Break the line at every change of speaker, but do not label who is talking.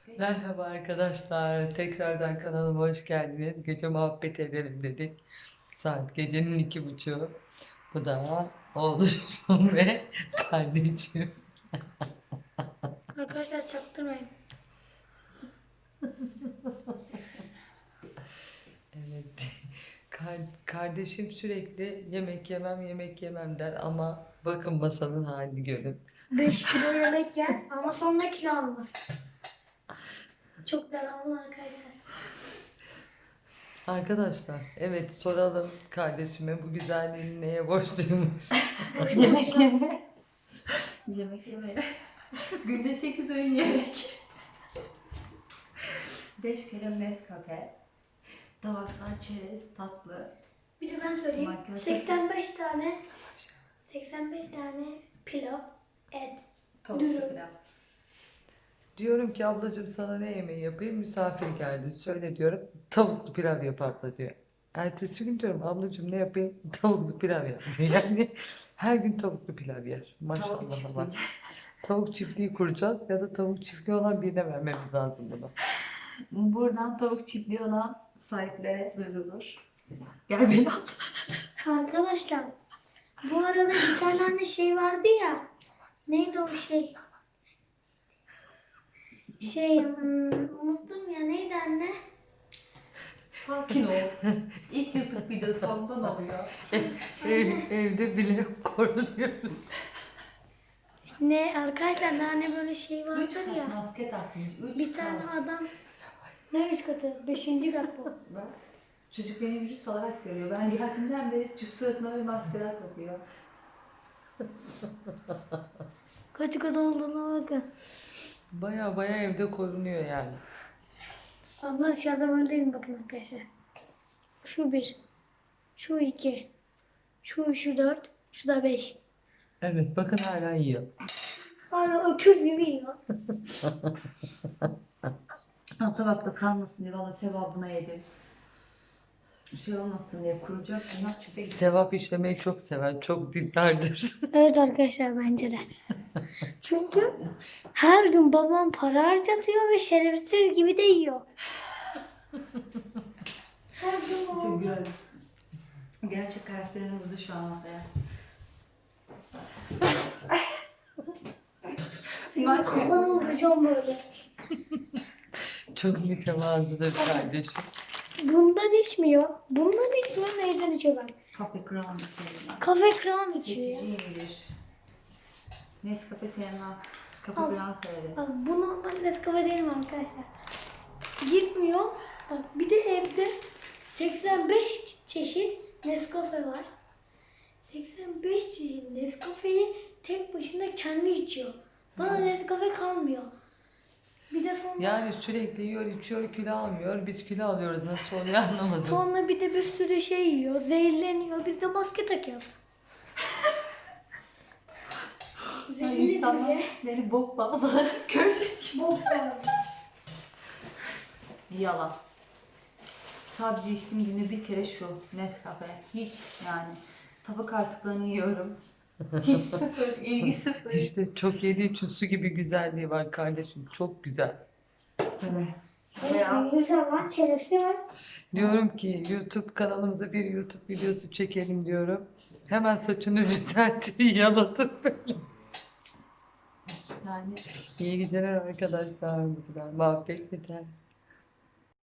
Merhaba arkadaşlar. Tekrardan kanalıma hoş geldiniz. Gece muhabbet edelim dedik. Saat gecenin 2:30. Bu da oğlum ve kardeşim.
Arkadaşlar çaktırmayın.
Evet. Kardeşim sürekli yemek yemem yemek yemem der ama bakın masanın halini görün.
5 kilo yemek yer ama sonra kilo almaz. Çok devamlı arkadaşlar.
Arkadaşlar evet soralım kardeşime bu güzelliğini neye borçluymuş?
Yemek yeme. Yemek yeme. Günde 8 öğün yemek. 5 kere Nescafe. Tabaklar çerez, tatlı.
Bir de ben söyleyeyim.
Makyaj
85 tane pilav, et.
Tavuk
Dürüm.
pilav.
Diyorum ki ablacığım sana ne yemeği yapayım? Misafir geldi. Söyle diyorum. Tavuklu pilav yap abla diyor. Ertesi gün diyorum ablacığım ne yapayım? Tavuklu pilav yap diyor. Yani her gün tavuklu pilav yer.
Tavuk
Maşallah
çiftliği.
Allah. Tavuk çiftliği kuracağız ya da tavuk çiftliği olan birine vermemiz lazım bunu.
Buradan tavuk çiftliği olan sahiplere duyurulur. Gel beni al.
Arkadaşlar bu arada bir tane anne şey vardı ya. Neydi o şey? Unuttum ya, neydi anne?
Sakin ol. İlk YouTube videosu ondan oluyor.
Evde bile korunuyoruz.
Ne arkadaşlar, hani böyle şey
3
vardır
kat
ya.
maske takmış. 3
Bir tane adam. Ne 3 katı? 5. kat bu.
Bak, çocuk beni vücut olarak görüyor. Ben geldiğimden beri suratına bir maskeler takıyor.
Kaç kat olduğuna bakın.
Baya baya evde korunuyor yani.
Aslında dışarıda böyle değil mi, bakın arkadaşlar. Şu 1. Şu 2. Şu 4. Şu da 5.
Evet bakın hala yiyor.
Hala öküz gibi yiyor.
Ha, tabakta kalmasın diye valla sevabına yedim. Şey olmasın diye kuracak bunlar çöpe gidiyor.
Sevap işlemeyi çok sever. Çok dinlerdir.
Evet arkadaşlar, bence de. Çünkü her gün babam para harcatıyor ve şerefsiz gibi de yiyor. Her gün
Çok
babam.
güzel. Gerçek karakterini vurdu şu an ortaya.
Kafana vuracağım böyle.
Çok mütevazıdır kardeşim.
Bundan içmiyor. Bundan içmiyor, neyden içiyor ben?
Kafe kram içelim.
Kafe kram içiyor ya.
Seçiciyimdir. Nescafe sevmem. Kafe
Al.
kram severim.
Bak bu normal Nescafe değil mi arkadaşlar? Gitmiyor. Bak bir de evde 85 çeşit Nescafe var. 85 çeşit Nescafe'yi tek başına kendi içiyor. Bana Nescafe kalmıyor. Bir de sonra,
Yani sürekli yiyor, içiyor, kilo almıyor. Biz kilo alıyoruz. Nasıl oluyor anlamadım.
sonra bir de bir sürü şey yiyor. Zehirleniyor. Biz de maske takıyoruz. Zehirli
İnsanlar
diye.
beni bok bazıları görecek.
Bok var.
Yalan. Sadece içtiğim günde bir kere şu Nescafe. Hiç yani. Tabak artıklarını yiyorum. Hiç sıfır, ilgi sıfır.
İşte çok yediği için su gibi güzelliği var kardeşim. Çok güzel.
Tabii. Veya
Güzel var. Çerezli var.
Diyorum ki YouTube kanalımıza bir YouTube videosu çekelim diyorum. Hemen saçını düzeltti, yalatıp böyle.
yani
İyi geceler arkadaşlar. Bu kadar muhabbet biter.